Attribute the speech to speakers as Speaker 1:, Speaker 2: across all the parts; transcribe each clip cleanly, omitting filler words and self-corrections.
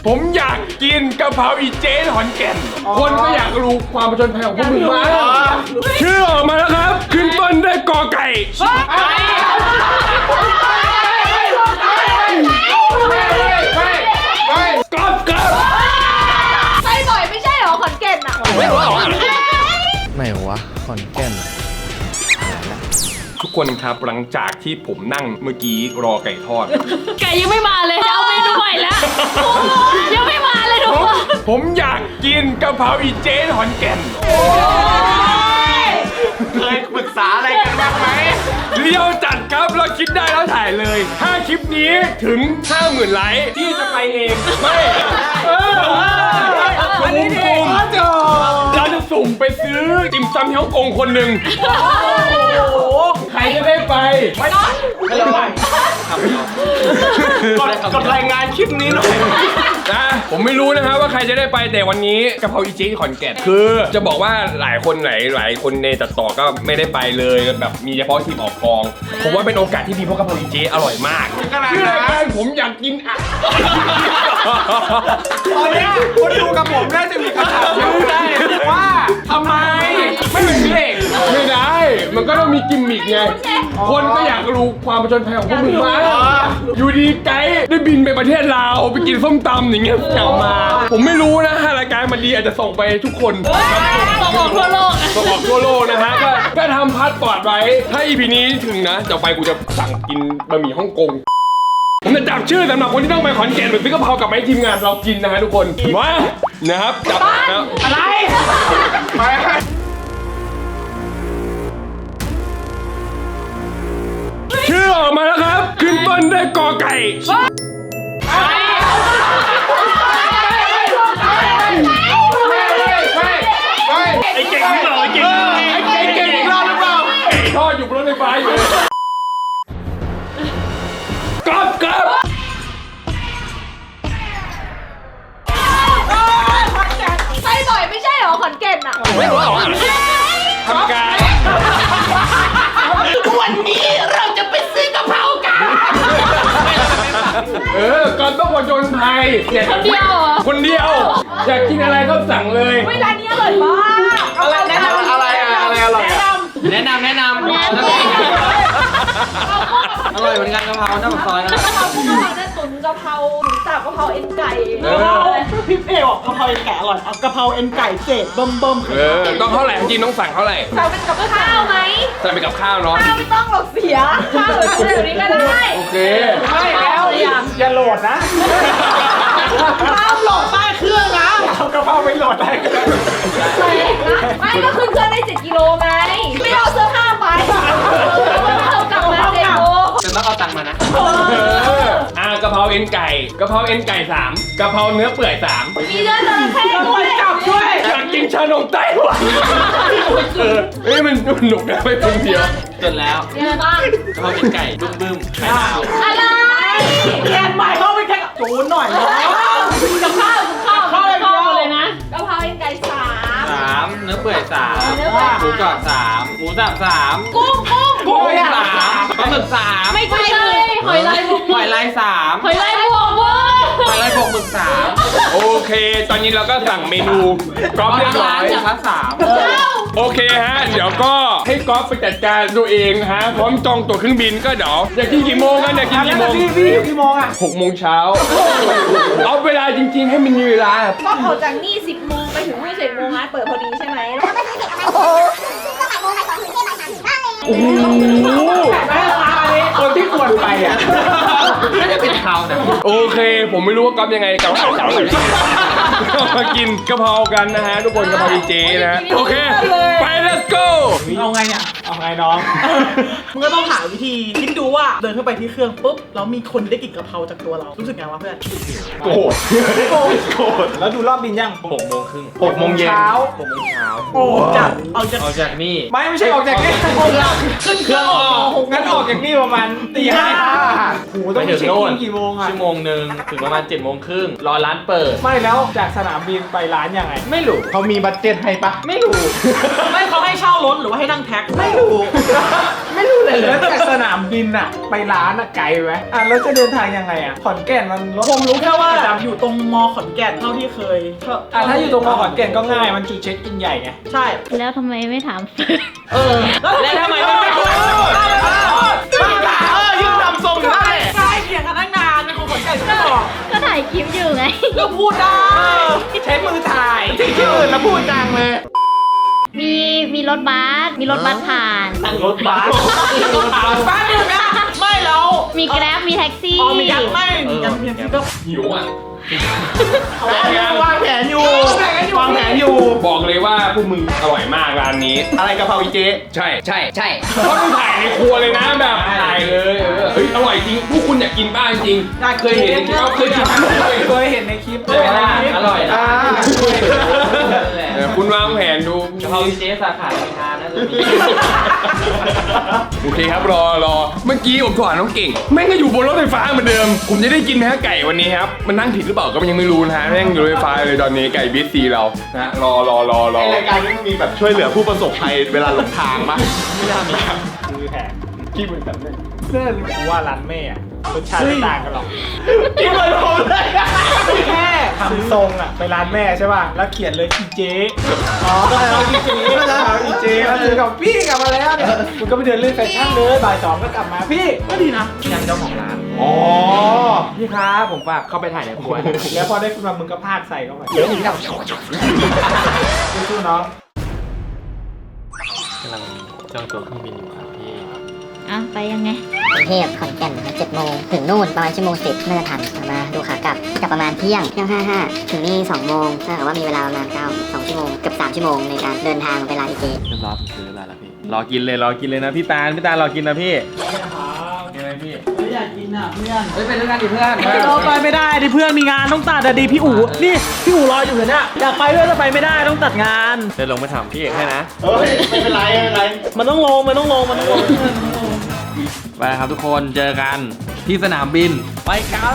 Speaker 1: ผมอยากกินกะเพราอีเจ๊ขอนแก่นคนก็อยากรู้ความประจนภัยของพวกมึงมาชื่อออกมาแล้วครับขึ้นต้นด้วยกอไก่ก๊อบ
Speaker 2: ไปบ่อยไม่ใช่เหรอขอนแก่นอ่ะ
Speaker 1: ไม่รู้หรอ
Speaker 3: ไหนวะขอนแก่น
Speaker 1: ทุกคนครับหลังจากที่ผมนั่งเมื่อกี้รอไก่ทอด
Speaker 2: ไก่ยังไม่มาเลยจะเอาเมนูใหม่แล้วยังไม่มาเลยทุกคน
Speaker 1: ผมอยากกินกะเพราอีเจ๊ขอนแก่น
Speaker 4: เคยปรึกษาอะไรกันบ้างไหม
Speaker 1: เลี้ยวจัดครับเราคิดได้แล้วถ่ายเลยถ้าคลิปนี้ถึง 50,000 ไลค์ที่จะไปเองไม่เราจะสุ่มไปซื้อติ่มซำที่ฮ่องกงคนหนึ่งใครจะได้ไปไม่ได้
Speaker 4: กดรายงานคลิปนี้หน่อย
Speaker 1: นะผมไม่รู้นะครับว่าใครจะได้ไปแต่วันนี้กะเพราอีเจ๊ขอนแก่นคือจะบอกว่าหลายคนในตัดต่อก็ไม่ได้ไปเลยแบบมีเฉพาะทีมออกกองผมว่าเป็นโอกาสที่ดีเพราะกะเพราอีเจ๊อร่อยมากชื่อรายการผมอยากกินอ่ะ
Speaker 4: ตอนนี้คนดูกับผมน่าจะมีคำถามเยอะได้ว่าทำไมไม่เป็นเพลง
Speaker 1: ไม่ได้มันก็ต้องมีกิมมิกไงคนก็อยากรู้ความประจนภัยของพวกมึงมาอยู่ดีไกด์ได้บินไปประเทศลาวไปกินส้มตำอย่างเงี้ยกลับมาผมไม่รู้นะรายการมันดีอาจจะส่งไปทุกคน
Speaker 2: ส่งออกทั่วโลก
Speaker 1: ส่งออกทั่วโลกนะฮะก็ทำพาสปอร์ตไว้ถ้า EP นี้ถึงนะจะไปกูจะสั่งกินบะหมี่ฮ่องกงผมจะจับชื่อสำหรับคนที่ต้องไปขอนแก่นหรือซื้อกะเพรากับไม้ทีมงานเรากินนะฮะทุกคนมานะครับจับนะ
Speaker 4: อะไร
Speaker 1: ชื่อออกมาแล้วครับขึ้นต้นด้วยกอไก่
Speaker 4: ไอ้เก่งนี่เหรอไอ้เก่งอีกรอบหรือเปล่า
Speaker 1: ไอ้ทอดอยู่บนรถไฟฟ้าอยู่ก๊อบ
Speaker 2: ไปบ่อยไม่ใช่เหรอขอนแก่นอ่ะ
Speaker 1: ไม่รู้หรอทำการ
Speaker 2: วันนี้เราจะไปซื้อกะเพรากัน
Speaker 1: ก่อนต้องผจญภัย
Speaker 2: คนเดียว
Speaker 1: คนเดียวอยากกินอะไรก็สั่งเลย
Speaker 2: เวลานี้อร่อยมาก
Speaker 4: อะไรแนะนำอะไรอร่อย
Speaker 3: แนะนำอร่อยเหมือนกันกะเพราหน้าปากซอยนะ
Speaker 2: กะเพราพวกกะเพราเนี่ยตุ๋นกะเพราหมูสับกะเพราเอ็นไก่
Speaker 5: พี่เอ๋บอกกะเพราเอ็นไก่อร่อยเอากะเพราเอ็นไก่เศษเบิ่ม
Speaker 1: ต้องเท่าไหร่จริงต้องสั่งเท่าไหร่
Speaker 2: สั่งเป็นกับข้าวไหม
Speaker 1: สั่งเป็นกับข้าวเนาะ
Speaker 2: ข้าวไม่ต้องหรอกเสียข้าวเดี๋ยวนี้ก็ได้
Speaker 1: โอเค
Speaker 4: ไม่แล้วอย่าโหลดนะ
Speaker 5: ข้าวโหลดใต้เครื่องนะ
Speaker 4: เอากระเพราไปโหลดได้
Speaker 2: ไม่ก็ขึ้นเครื่องได้7 กิโลไงไม่เอาเสื้อผ้าไปเอากลับมา7 โล
Speaker 3: จะต้องเอาตังค์มานะ
Speaker 1: กะเพราเอ็นไก่3กะเพราเนื้อเปื่อย3
Speaker 2: มีเนื้อจระเข้ด้วย
Speaker 5: จับด้วย
Speaker 1: อยากกินชานมไต้หวันมันหนุกนะไม่เป็นเดียว
Speaker 3: จนแล้ว
Speaker 2: ยังไงบ้าง
Speaker 3: กะเพราเป็นไก่บึ้มไข่ดาว
Speaker 2: อะไร
Speaker 5: แอนใหม่เข้าไปแค่จูนหน่อยนะ
Speaker 2: กับข้าวเลยนะกะเพราเอ็นไก่
Speaker 3: 3เนื้อเปื่อย3หมูกรอบ3หมูสับ3
Speaker 2: กุ้ง
Speaker 3: 3ปลาหมึก3
Speaker 2: ไม่ใช่เลยหอยลายบวก
Speaker 3: 3
Speaker 2: หอยลายบวก
Speaker 3: หมึก3
Speaker 1: โอเคตอนนี้เราก็สั่งเมนูก๊อฟเรียบร้อยโอเคฮะเดี๋ยวก็ให้ก๊อฟไปจัดการตัวเองฮะพร้อมจองตั๋วเครื่องบินก็เดี๋ยวอยากกินกี่โมงกันอยากกินกี่โมง
Speaker 5: พี่กี่โมงอ่ะ
Speaker 1: 6 โมงเช้าเอาเวลาจริงๆให้มันมีเวลา
Speaker 2: ก็ออกจากนี่10 โมงไปถึง11 โมงร้านเปิดพอดีใช่ไหม
Speaker 1: โอ้โห
Speaker 4: คนที่ควรไปอ่ะ
Speaker 3: น่าจะเป็นเขานะ
Speaker 1: โอเคผมไม่รู้ว่าก๊อฟยังไงกับเขามากินกะเพรากันนะฮะทุกคนกะเพราดีเจนะฮะโอเคไป let's go
Speaker 5: เอาไงเนี่ยเอาไงน้องมึงก็ต้องหาวิธีคิดดูว่าเดินเข้าไปที่เครื่องปุ๊บแล้วมีคนได้กลิ่นกะเพราจากตัวเรารู้สึกไงวะเพื่อน
Speaker 1: โกรธ
Speaker 4: แล้วดูรอบบินยัง
Speaker 3: 6 โมงครึ่ง
Speaker 1: 6 โมงเย็น
Speaker 5: โอ้จัด
Speaker 3: ออกจากนี่
Speaker 4: ไม่ใช่ออกจากนี่
Speaker 5: ขึ้นเครื่อง
Speaker 4: งั้นออกจากนี่ประมาณตี 5โอ้โหต้องไปเช็คอินกี่โมงอ่ะ
Speaker 3: 1 ชั่วโมงถึงประมาณ7 โมงครึ่งรอร้านเปิด
Speaker 4: ไม่แล้วจากสนามบินไปร้านยังไง
Speaker 3: ไม่รู้
Speaker 4: เขามีบัดเจ็ตให้ปะ
Speaker 3: ไม่รู้
Speaker 5: ไม่เขาให้เช่ารถหรือว่าให้นั่งแท็ก
Speaker 4: ไม่รู้ไม่รู้เลยแล้วจากสนามบินอะไปร้านอะไกลไหมแล้วจะเดินทางยังไงอะขอนแก่นมันรถ
Speaker 5: ผมรู้แค่ว่าอยู่ตรงมอขอนแก่นเท่าที่เคย
Speaker 4: ถ้าอยู่ตรงมอขอนแก่นก็ง่ายมันจุดเช็คอินใหญ่ไง
Speaker 5: ใช่
Speaker 6: แล้วทำไมไม่ถาม
Speaker 5: แล้วทำไมไม่พูดยืนทำทรงอยู่ได้ใช่เถียงกันตั้งนานเป็นคนขอนแก่นไม่บอก
Speaker 6: ก็ถ่ายคลิปอยู่ไง
Speaker 5: ก็พูดได้
Speaker 4: ใช้มือถ่ายที่อื่นแล้วพูดจังเลย
Speaker 6: มีรถบัสผ่าน
Speaker 4: รถบัส
Speaker 5: บ้านอยู่นะไม่แล้ว
Speaker 6: มีแกร็บมีแท็กซี่
Speaker 5: มีการไม่มีการเพียงที่ก็
Speaker 1: หิวอ่ะ
Speaker 4: วางแผนอยู่วางแผนอยู่
Speaker 1: บอกเลยว่าพวกมึงอร่อยมากร้านนี้
Speaker 4: อะไรกะเพราอีเจ๊
Speaker 1: ใช่เพราะมึงถ่ายในครัวเลยนะแบบถ่ายเลยเฮ้ยอร่อยจริงพวกคุณอยากกินบ้างจริงเคยเห็นเขาเคยกินทั้งหมดเลย
Speaker 4: เคยเห็นในคลิป
Speaker 3: อร่อยนะ
Speaker 1: คุณวางแผนดู
Speaker 3: เขาเจ๊สาขาพิธาน่าจะมี
Speaker 1: โอเคครับรอเมื่อกี้ผมถามน้องเก่งแม่งก็อยู่บนรถไฟฟ้าเหมือนเดิมผมจะได้กินไหมฮะไก่วันนี้ครับมันนั่งผิดหรือเปล่าก็ยังไม่รู้นะฮะแม่งอยู่รถไฟฟ้าเลยตอนนี้ไก่บีซีเรานะรอ
Speaker 7: รายการนี้มีแบบช่วยเหลือผู้ประสบภัยเวลาหลงทางมั้ย
Speaker 4: ไม่น่ามีครับมือแผนขี้มือแบบนี้เพื่อนว่าร้านแม่อะรสชาติไม่ต่างกันหรอกที่มันโหดเลยแค่ทำทรงอะไปร้านแม่ใช่ป่ะแล้วเขียนเลยอีเจ๊ก็อีเจ๊อีเจ๊มาเจอกับพี่กลับมาแล้วเนี่ยคุณก็ไปเดินเล่นแฟชั่นเลยบ่าย2ก็กลับมาพี่ก็ดีนะ
Speaker 3: ยังเจ้าของร้าน
Speaker 4: อ๋อ
Speaker 3: พี่ครับผมฝากเข้าไปถ่ายในครัว
Speaker 4: แล้วพอได้ขึ้นมามึงก็พากใส่เข้าไปเดี๋ยวมึงจะสู้ๆน้อง
Speaker 3: กำลังจองตั๋วเครื่องบินอยู่ครับพี่
Speaker 6: อ่ะ ไปยังไง
Speaker 8: กรุงเทพขอนแก่น7 โมงถึงนู่นประมาณ1 โมง 10น่าจะทันมาดูขากลับประมาณเที่ยง 55ถึงนี่2 โมงถ้าเกิดว่ามีเวลาประมาณ2 ชั่วโมงเกือบ3 ชั่วโมงในการเดินทางไปร้านอีเจ
Speaker 3: เรียบร้อยผมซื้อแล้วพี่รอกินเลยนะพี่ตาลรอกินนะพี่ยังไงพี่
Speaker 5: ไม่อยากกินอ่ะเพื่อน
Speaker 3: เฮ้ยไปด้วยกันดิเพื่อน
Speaker 5: เราไปไม่ได้ดิเพื่อนมีงานต้องตัดอะดิพี่อู๋นี่พี่อู๋รออยู่เนี่ยอยากไปด้วยแต่ไปไม่ได้ต้องตัดงาน
Speaker 3: เดี๋ยวลงไปถามพี่เอกให้นะ
Speaker 7: เฮ้ยไม่เป็นไร
Speaker 5: มันต้องลงมันต้องลง
Speaker 3: ไปครับทุกคนเจอกันที่สนามบินไปกัน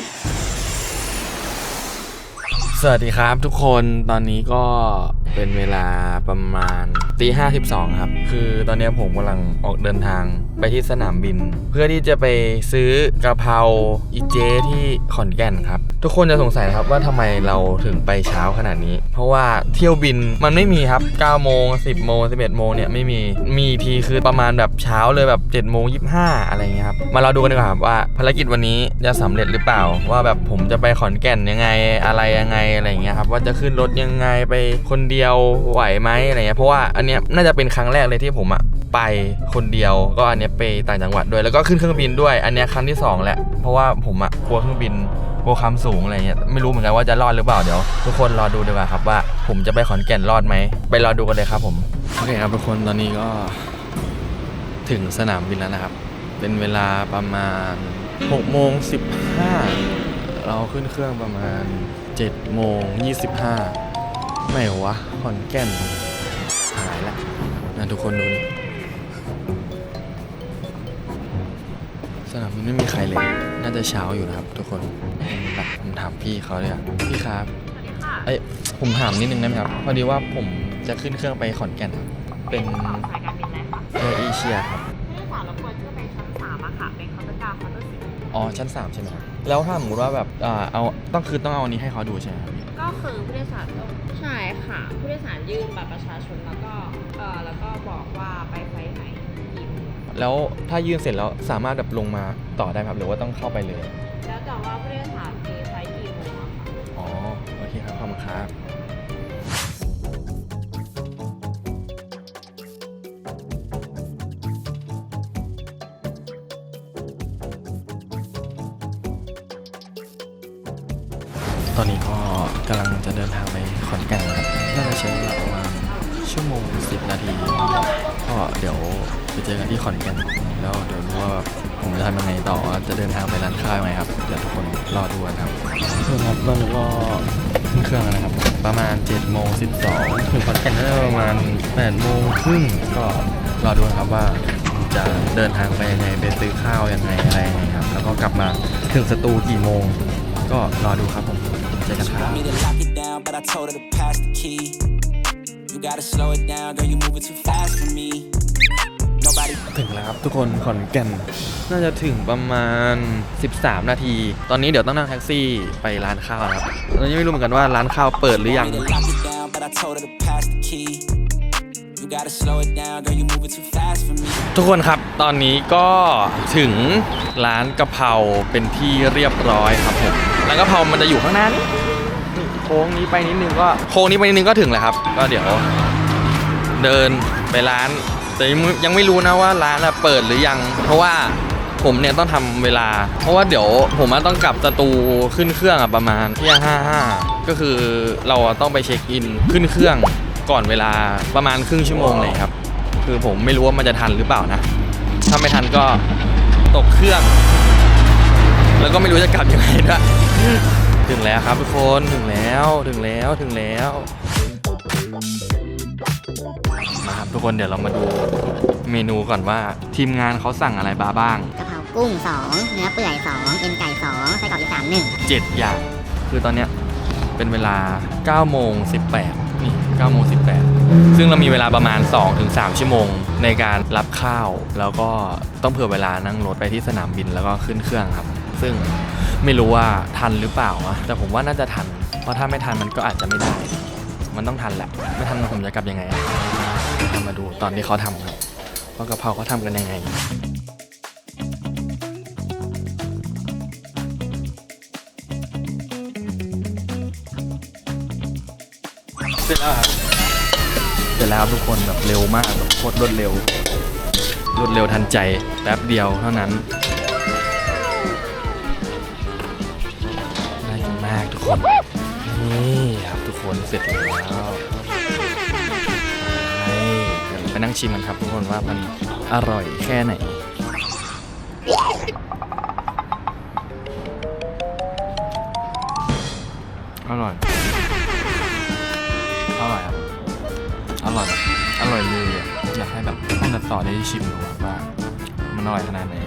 Speaker 3: สวัสดีครับทุกคนตอนนี้ก็เป็นเวลาประมาณ5:12ครับคือตอนนี้ผมกำลังออกเดินทางไปที่สนามบิน เพื่อที่จะไปซื้อกะเพราอีเจที่ขอนแก่นครับทุกคนจะสงสัยนะครับว่าทำไมเราถึงไปเช้าขนาดนี้เพราะว่าเที่ยวบินมันไม่มีครับ9 โมง 10 โมง 11 โมงเนี่ยไม่มีทีคือประมาณแบบเช้าเลยแบบ7 โมง 25อะไรเงี้ยครับมาเราดูกันดีกว่าครับว่าภารกิจวันนี้จะสำเร็จหรือเปล่าว่าแบบผมจะไปขอนแก่นยังไงอะไรยังไงอะไรเงี้ยครับว่าจะขึ้นรถยังไงไปคนเดียวไหวไหมอะไรเงี้ยเพราะว่าอันเนี้ยน่าจะเป็นครั้งแรกเลยที่ผมไปคนเดียวก็อันเนี้ยไปต่างจังหวัดด้วยแล้วก็ขึ้นเครื่องบินด้วยอันเนี้ยครั้งที่2แล้วเพราะว่าผมกลัวเครื่องบินกลัวความสูงอะไรเงี้ยไม่รู้เหมือนกันว่าจะรอดหรือเปล่าเดี๋ยวทุกคนรอดูดีกว่าครับว่าผมจะไปขอนแก่นรอดไหมไปรอดูกันเลยครับผมโอเคครับทุกคนตอนนี้ก็ถึงสนามบินแล้วนะครับเป็นเวลาประมาณ6 โมง 15เราขึ้นเครื่องประมาณ7 โมง 25ไม่วะขอนแก่นหายแล้วนะทุกคนดูนี่สนามบินไม่มีใครเลยน่าจะเช้าอยู่นะครับทุกคนแบบผมถามพี่เขาเลยพี่ครับเอ้ยผมถามนิดนึงได้ไหมครับพอดีว่าผมจะขึ้นเครื่องไปขอนแก่นครับเป็นสายการบินอะไรคะแอร์เอเชียครับผู้โดยสารรบกวนขึ้นไปชั้น3อะค่ะเป็นเคาน์เตอร์การ์เคาน์เตอร์10อ๋อชั้น3ใช่ไหมครับแล้วถ้าสมมติว่าแบบเอาต้องเอาอันนี้ให้เขาดูใช่ไหมครับ
Speaker 2: ก็คือผู้โดยสารต้องใช่ค่ะ ผู้โดยสารยื่นบัตรประชาชนแล้วก็บอกว่าไปไฟล์ไหนกี่โมง
Speaker 3: แล้วถ้ายื่นเสร็จแล้วสามารถแบบลงมาต่อได้ไหมครับหรือว่าต้องเข้าไปเลย
Speaker 2: แล้วแต่ว่าผู้โดยสารมีไฟล์กี่โมงอะค่ะ
Speaker 3: อ๋อโอเคครับขอบคุณครับตอนนี้ก็กำลังจะเดินทางไปขอนแก่นนะครับน่าจะใช้เวลาประมาณ1 ชั่วโมง 10 นาทีก็เดี๋ยวไปเจอกันที่ขอนแก่นแล้วเดี๋ยวรู้ว่าผมจะทำยังไงต่อจะเดินทางไปร้านข้าวยังไงครับเดี๋ยวทุกคนรอดูกันครับครับตอนนี้ก็ขึ้นเครื่องแล้วนะครับประมาณ7 โมง 12ถึงขอนแก่นน่าจะประมาณ8 โมงครึ่งก็รอดูครับว่าจะเดินทางไปยังไงไปซื้อข้าวยังไงอะไรยังไงครับแล้วก็กลับมาถึงสตูกี่โมงก็รอดูครับผมเจอกันครับ
Speaker 9: But I told her to pass the key. You gotta slow it down, girl, you moving too fast for me. No nobody.
Speaker 3: ถึงแล้วครับทุกคนขอนแก่นน่าจะถึงประมาณ13 นาที ตอนนี้เดี๋ยวต้องนั่งแท็กซี่ไปร้านข้าวนะครับตอนนี้ไม่รู้เหมือนกันว่าร้านข้าวเปิดหรือยัง
Speaker 9: Want me to lock it down, but I told her to pass the key. You gotta slow it down, girl, you moving too fast for me.
Speaker 3: ทุกคนครับตอนนี้ก็ถึงร้านกะเพราเป็นที่เรียบร้อยครับผมร้านกะเพรามันจะอยู่ข้างหน้านี้โค้งนี้ไปนิดนึงก็ถึงแล้วครับก็เดี๋ยวเดินไปร้านแต่ยังไม่รู้นะว่าร้านเปิดหรือยังเพราะว่าผมเนี่ยต้องทำเวลาเพราะว่าเดี๋ยวผมต้องกลับสตูขึ้นเครื่องประมาณเที่ยง55ก็คือเราต้องไปเช็คอินขึ้นเครื่องก่อนเวลาประมาณครึ่งชั่วโมงเลยครับคือผมไม่รู้ว่ามันจะทันหรือเปล่านะถ้าไม่ทันก็ตกเครื่องแล้วก็ไม่รู้จะกลับยังไงด้วยถึงแล้วครับทุกคนถึงแล้วมาครับทุกคนเดี๋ยวเรามาดูเมนูก่อนว่าทีมงานเขาสั่งอะไรบ้าง
Speaker 8: กะเพรากุ้ง 2 เนื้อเปื่อย 2 เอ็นไก่ 2 ไส้กรอกอีสาน1
Speaker 3: 7 อย่างคือตอนเนี้ยเป็นเวลา9โมง18นี่9โมง18ซึ่งเรามีเวลาประมาณ 2-3 ชั่วโมงในการรับข้าวแล้วก็ต้องเผื่อเวลานั่งรถไปที่สนามบินแล้วก็ขึ้นเครื่องครับซึ่งไม่รู้ว่าทันหรือเปล่านะแต่ผมว่าน่าจะทันเพราะถ้าไม่ทันมันก็อาจจะไม่ได้มันต้องทันแหละไม่ทันผมจะกลับยังไงมาดูตอนที่เขาทำครับว่ากะเพราเขาทำกันยังไงเสร็จแล้วครับทุกคนแบบเร็วมากแบบโคตรรวดเร็วทันใจแป๊บเดียวเท่านั้นน่ากินมากทุกคนนี่ครับทุกคนเสร็จแล้วเดี๋ยวไปนั่งชิมกันครับทุกคนว่ามันอร่อยแค่ไหนอร่อยครับอร่อยเลยอ่ะอยากให้แบบท่านตัดต่อได้ชิมดูว่ามันอร่อยขนาดไหน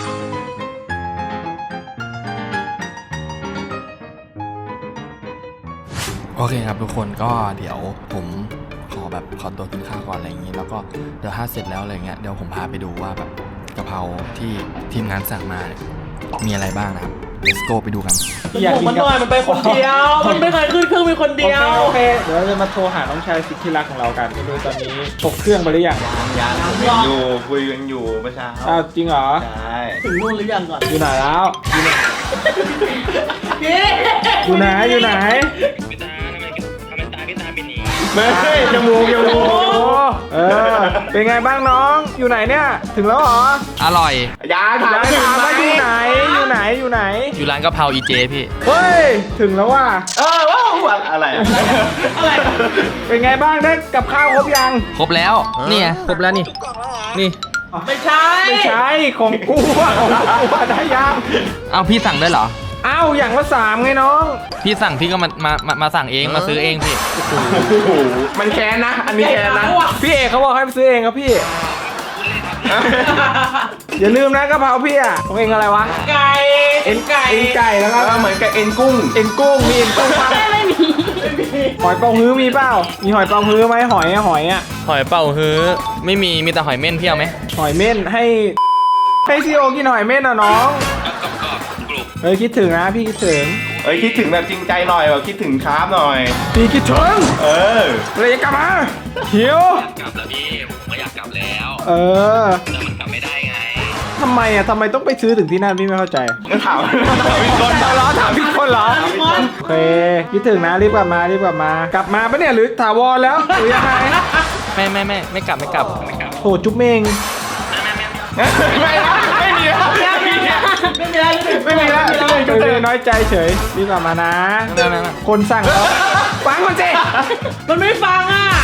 Speaker 3: โอเคครับทุกคนก็เดี๋ยวผมขอตัวกินข้าวก่อนอะไรอย่างนี้แล้วก็เดี๋ยวถ้าเสร็จแล้วอะไรเงี้ยเดี๋ยวผมพาไปดูว่าแบบกะเพราที่ทีมงานสั่งมาเนี่ยมีอะไรบ้างนะครับ let's go ไปดูกัน
Speaker 5: ผมมันหน่อยมันไปคนเดียว มันไม่เคยขึ้นเครื่องมีคนเดียว
Speaker 4: โอเคเดี๋ยวเราจะมาโทรหาน้องชายสุดที่รักของเรากันไม่รู้ตอนนี้ตกเครื่องไปหรือยัง
Speaker 7: ยังคุยกันอยู่เมื่อเช้า
Speaker 4: อ้าวจริงเหรอ
Speaker 7: ใช่
Speaker 5: ถึงนู่นหรือยังก่อน
Speaker 4: อยู่ไหนแล้ว
Speaker 5: พี่
Speaker 4: อยู่ไหนไม่จมูกเป็นไงบ้างน้องอยู่ไหนเนี่ยถึงแล้วเหรอ
Speaker 3: อร่อย
Speaker 7: ยาถาม
Speaker 4: ถามว่าอยู่ไหน
Speaker 3: อยู่ร้านกะเพราอีเจพี่
Speaker 4: เฮ้ยถึงแล้วว่ะ
Speaker 7: ว้าวอะไรอะ
Speaker 5: อะไร
Speaker 4: เป็นไงบ้างได้กับข้าวครบยัง
Speaker 3: ครบแล้วนี่ไงครบแล้วนี่
Speaker 5: ไม่ใช่
Speaker 4: ไม่ใช่ของกูอะได้ยัง
Speaker 3: เอาพี่สั่งด้วยเหรอ
Speaker 4: อ้าวอย่างละ3ไงน้อง
Speaker 3: พี่สั่งพี่ก็มาสั่งเองมาซื้อเองพี่
Speaker 7: โอ้โหมันแค้นนะ อันนี้แค้นนะ
Speaker 4: พี่เอกเขาบอกให้ไปซื้อเองครับพี่ อย่าลืมนะกะเพราพี่อะของเองอะไรวะ
Speaker 5: ไก่
Speaker 4: เอ็นไก่แล้วก็
Speaker 7: เหมือนกับเอ็นกุ้ง
Speaker 4: เอ็นกุ้งมีเอ็นกุ้งปะไม่มีหอยเป๋าฮื้อมีเปล่ามีหอยเป๋าฮื้อไหมหอยอะ
Speaker 3: หอยเป่าฮื้อไม่มีแต่หอยเม่นพี่เอาไหม
Speaker 4: หอยเม่นให้ซีโอกินหอยเม่นอะน้องเฮ้ยคิดถึงนะพี่คิดถึง
Speaker 7: คิดถึงแบบจริงใจหน่อยแบบคิดถึงคราฟหน่อย
Speaker 4: พี่คิดถึง เลยจะกลับมาหิว
Speaker 3: กลับแล้วพี่ผมก็อยากกลับแล้วแต่มันกลับไม่ได้ไง
Speaker 4: ทำไมต้องไปซื้อถึงที่นั่นพี่ไม่เข้าใจ
Speaker 7: งั้นถามพี่คน
Speaker 4: ถามพี่คนเหรอโอเคคิดถึงนะรีบกลับมาปะเนี่ยหรือถาวรแล้วหรือยังไง
Speaker 3: ไม่กลับ
Speaker 4: โหจุ๊บเมง
Speaker 7: ไม่มีแล้ว
Speaker 4: น้อยใจเฉยรีบกลับมานะคนสั่งเขาฟังก่อนสิ
Speaker 5: มันไม่ฟังอ่ะ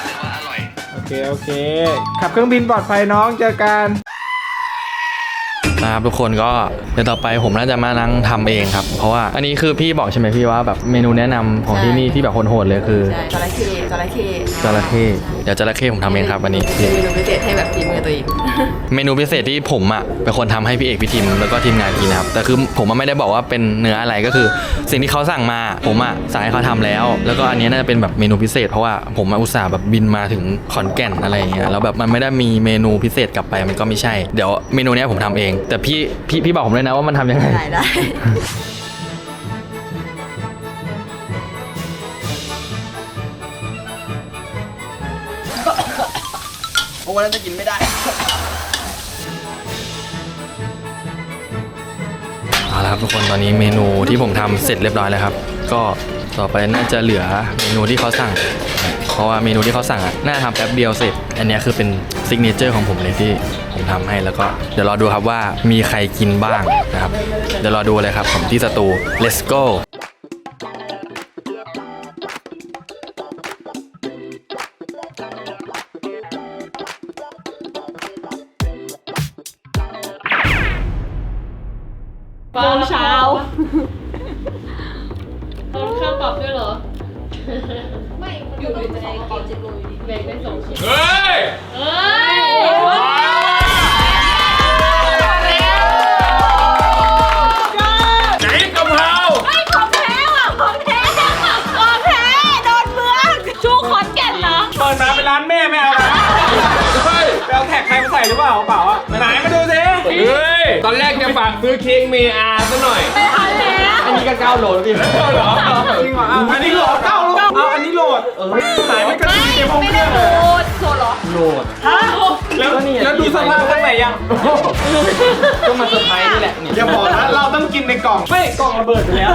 Speaker 4: โอเคขับเครื่องบินปลอดภัยน้องเจอกัน
Speaker 3: นะครับทุกคนก็เดี๋ยวต่อไปผมน่าจะมานั่งทำเองครับเพราะว่าอันนี้คือพี่บอกใช่ไหมพี่ว่าแบบเมนูแนะนำของที่นี่ที่แบบโหดๆเลยคือ
Speaker 2: ใช่จระเข้
Speaker 3: จระเข้เดี๋ยวจระเข้ผมทำเองครับวันนี้
Speaker 2: เมนูพิเศษให้แบบฝีมือตัวเอง
Speaker 3: เมนูพิเศษที่ผมอ่ะเป็นคนทำให้พี่เอกพี่ทิมแล้วก็ทีมงานกินนะครับแต่คือผมไม่ได้บอกว่าเป็นเนื้ออะไรก็คือ สิ่งที่เขาสั่งมาผมอ่ะสั่งให้เขาทำแล้วก็อันนี้น่าจะเป็นแบบเมนูพิเศษเพราะว่าผมอุตส่าห์แบบบินมาถึงขอนแก่นอะไรอย่างเงี้ยแล้วแบบมันไม่ได้มีเมนูพิเศษกลับไปมันก็ไม่ใช่เดี๋ยวเมนูนี้ผมทำเองแต่พี่บอกผมเลยนะว่ามันทำยังไง
Speaker 2: ได้
Speaker 3: โอ้วันนั้นจะกินไม่ได้เอาละครับทุกคนตอนนี้เมนูที่ผมทำเสร็จเรียบร้อยแล้วครับก็ต่อไปน่าจะเหลือเมนูที่เขาสั่งเพราะว่าเมนูที่เขาสั่งอ่ะน่าทำแป๊บเดียวเสร็จอันนี้คือเป็นซิกเนเจอร์ของผมเลยที่ผมทำให้แล้วก็เดี๋ยวรอดูครับว่ามีใครกินบ้างนะครับเดี๋ยวรอดูเลยครับผมที่สตู let's go
Speaker 2: โมงเช้าตอนข้าวปรับด้วยเหรอ ไม่อยู่ในใจเก็บ7 โลอยู่ดีแบ่งเป็น2 ชิ้น
Speaker 1: เฮ้ย
Speaker 2: เฮ้ย
Speaker 1: ไหนกะเพรา
Speaker 2: ไม่ของแท้ว่ะของแท้ของแท้โดนเมืองชูขอนแก่นเหรอ
Speaker 4: เปิดมาเป็นร้านแม่ไม่เอานะ
Speaker 1: เฮ้ย
Speaker 4: ไปเอาแท็กใครมาใส่หรือเปล่าเปล่าอ่ะไหนมาดูสิ
Speaker 1: เฮ้ยตอนแรกจะฝากซื้อเค้กเมอาซะหน่อย
Speaker 2: ไม่ทันแล้ว
Speaker 3: อันนี้ก็9 โลแล้วพี่
Speaker 1: เหรอ
Speaker 4: จริงเหรออันนี้โหลดเก้าโหลดเอาอันนี้โหลดหายไม่กระตุ้นเกมห้อง
Speaker 2: ไม่
Speaker 4: เค
Speaker 2: ได้
Speaker 4: รื่อง
Speaker 2: โหล
Speaker 4: เลย
Speaker 2: ดโหลดเหรอ
Speaker 3: โหลด
Speaker 4: ฮะแล้วดูสภาพข้างในยัง
Speaker 3: ก็มาเซอร์ไพรส์นี่แหละนี่
Speaker 4: อย่าบอกนะเราต้องกินในกล่องไม่กล่องระเบิดไปแล้ว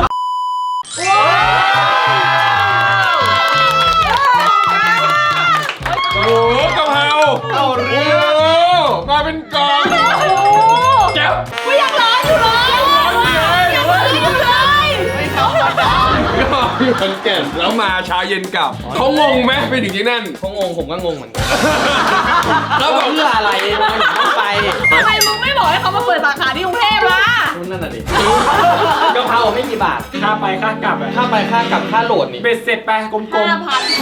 Speaker 1: โอ้โหกะเพราเอาเรื่องมาเป็นกล่องแจ๊บ
Speaker 2: ไม่ยังร้อนอยู่เลยยังร้อนอยู่เลยไม่เขาหรอก
Speaker 1: ขอนแก่นแล้วมาเช้าเย็นกลับเขางงไหมไปถึงที่นั่น
Speaker 3: เขางงผมก็งงเหมือนกัน
Speaker 1: แล้วบอก
Speaker 3: เพื่ออะไรทำไมถึงต้องไป
Speaker 2: ทำไมมึงไม่บอกให้เขามาเปิดสาขาที่กรุงเทพล่ะ
Speaker 3: นั่นน่ะดิกะเพราไม่กี่บาท
Speaker 4: ค่าไปค่ากลับอะ
Speaker 3: ค่าไปค่ากลับค่าโหลดนี่
Speaker 4: เบ็ดเสร็จไปกลม
Speaker 2: 5,000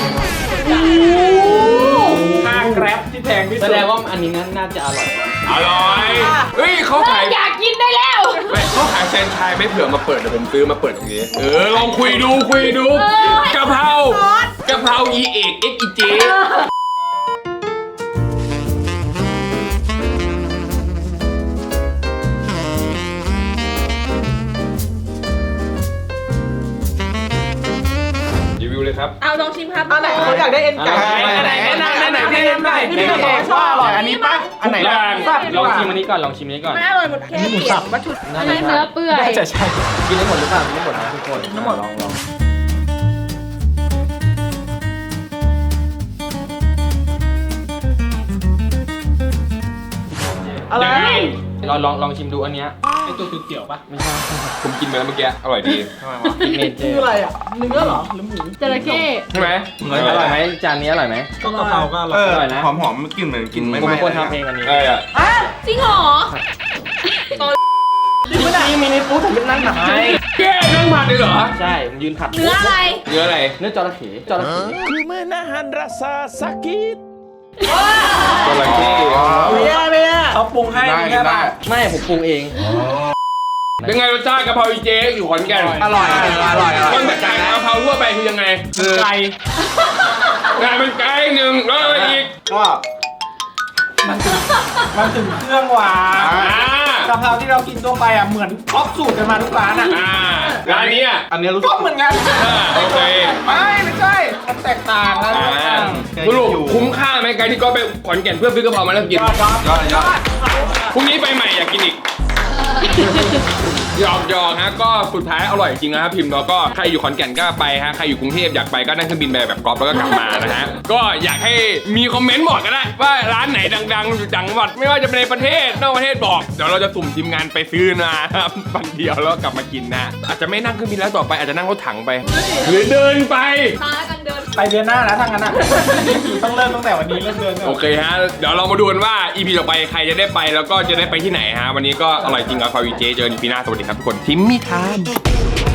Speaker 4: ๆค่าแกร็บที่แพงที่
Speaker 3: แส
Speaker 4: สุด
Speaker 3: ดงว่าอันนี้น่าจะอร่อยมาก
Speaker 1: อร่อยเฮ้ยเขาขาย
Speaker 2: อยากกินได้แล้ว
Speaker 1: ไม่เขาขายแฟรนไชส์ไม่เผื่อมาเปิดเดี๋ยวผมซื้อมาเปิดตรงนี้ลองคุยดูกะเพรากะเพราอีเอกเอ็กอีเจรีวิวเลยครับ
Speaker 2: เอาลองชิมครับ
Speaker 5: อันไหนเขาอยากได้เอ็นไก่
Speaker 4: อันไหนพี่เอ็มได้พี่เอ็มชอบอร่อยอันนี้ปะอันไหน
Speaker 1: ทุกอย่าง
Speaker 3: ลองชิมอันนี้ก่อนลองชิมอันนี้ก่อน
Speaker 2: ไม่อร่อยหมดแค่เปลี่ยนวัตถุดิบอันนี้เนื้อเปื่อย
Speaker 4: น่าจะใช่
Speaker 3: กินได้หมดหรือเปล่ากินได้หมดนะทุกคนทั้งหมดลอง
Speaker 4: อะไร
Speaker 3: ลองชิมดูอันเนี้ย
Speaker 4: ไอตัวเขียวปะ
Speaker 3: ไม่ใช่
Speaker 1: ผมกินไปแล้วเมื่อกี้อร่อยดี
Speaker 3: ทำไมวะซิกเนเจอ
Speaker 5: คือ
Speaker 3: ร์
Speaker 5: อะไรอ่ะ เนื้อเหรอหรือหมู
Speaker 2: จระเข้
Speaker 1: ใช่ไหม
Speaker 3: อร่อยไหมจานนี้อร่อยไหม
Speaker 4: ก็กะเพราก็อร่อย
Speaker 3: อร่อยนะ
Speaker 7: หอมๆกลิ่นเหมือนกินไม่
Speaker 3: ผม
Speaker 7: ไหม้
Speaker 3: เป็นคนทำเองอันนี้
Speaker 1: อ่ะ
Speaker 2: จริงเหรอ
Speaker 3: จริงๆมีในฟู้ดผมเป็นนั่งหนักให้
Speaker 1: แกนั่งผัดเลยเหรอ
Speaker 3: ใช่ผมยืนผัด
Speaker 2: เนื้ออะไร
Speaker 1: เนื้ออะไร
Speaker 3: เนื้อจระเข้จระเข้
Speaker 1: จระเข้
Speaker 5: ไม่ได้เขาปรุงให้แค่ป่ะ
Speaker 3: ไม่ผมปรุงเอง
Speaker 1: เป็นไงรสชาติกะเพราอีเจอยู่ขอนแก่น
Speaker 4: อร่อย
Speaker 1: มันแบบจากกะเพราทั่วไปคือยังไง
Speaker 4: ไก่
Speaker 1: งานเป็นไก่หนึ่งแล้วอะไรอีก
Speaker 7: ก็
Speaker 4: มันถึงเครื่องหวาน
Speaker 1: อ่าก
Speaker 4: ะเพราที่เรากินทั่วไปอ่ะเหมือนท็อปสูตรกันมาทุกร้านอ่ะ
Speaker 1: ร้านนี้อ่ะ
Speaker 7: อันนี้รู้สึ
Speaker 4: ก็
Speaker 7: ก
Speaker 4: เหมือนกัน
Speaker 1: โอเค
Speaker 4: ไม่ใช่มันแตกต่างแล้ว
Speaker 1: สรุปคุ้มค่าไหมการที่ก็ไปขอนแก่นเพื่อซื้อกะเพรามาแล้วกิน
Speaker 7: ยอด
Speaker 1: พรุ่งนี้ไปใหม่อยากกินอีก หยอกฮะก็สุดท้ายอร่อยจริงนะครับพิมพ์แล้วก็ใครอยู่ขอนแก่นก็ไปฮะใครอยู่กรุงเทพอยากไปก็นั่งเครื่องบินไปแบบกอล์ฟแล้วก็กลับมานะฮะก็อยากให้มีคอมเมนต์บอกก็ได้ว่าร้านไหนดังๆอยู่จังหวัดไม่ว่าจะเป็นในประเทศนอกประเทศบอกเดี๋ยวเราจะสุ่มทีมงานไปซื้อนะครับวันเดียวแล้วกลับมากินนะอาจจะไม่นั่งเครื่องบินแล้วต่อไปอาจจะนั่งรถถังไป หรือเดินไป
Speaker 2: ตากันเดิน
Speaker 4: ไปเดือนหน้านะทางนั้นอ่ะต้องเริ่มตั้งแต่วันนี้เริ่มเดือน
Speaker 1: โอเคฮะเดี๋ยวเรามาดูกันว่า EP ต่อไปใครจะได้ไปแล้วก็จะได้ไปที่ไหนฮะวันนี้ก็อร่อยจริงกับคาวิเจเจอกัน EP หน้าสวัสดีครับทุกคนทิมมี่ทาม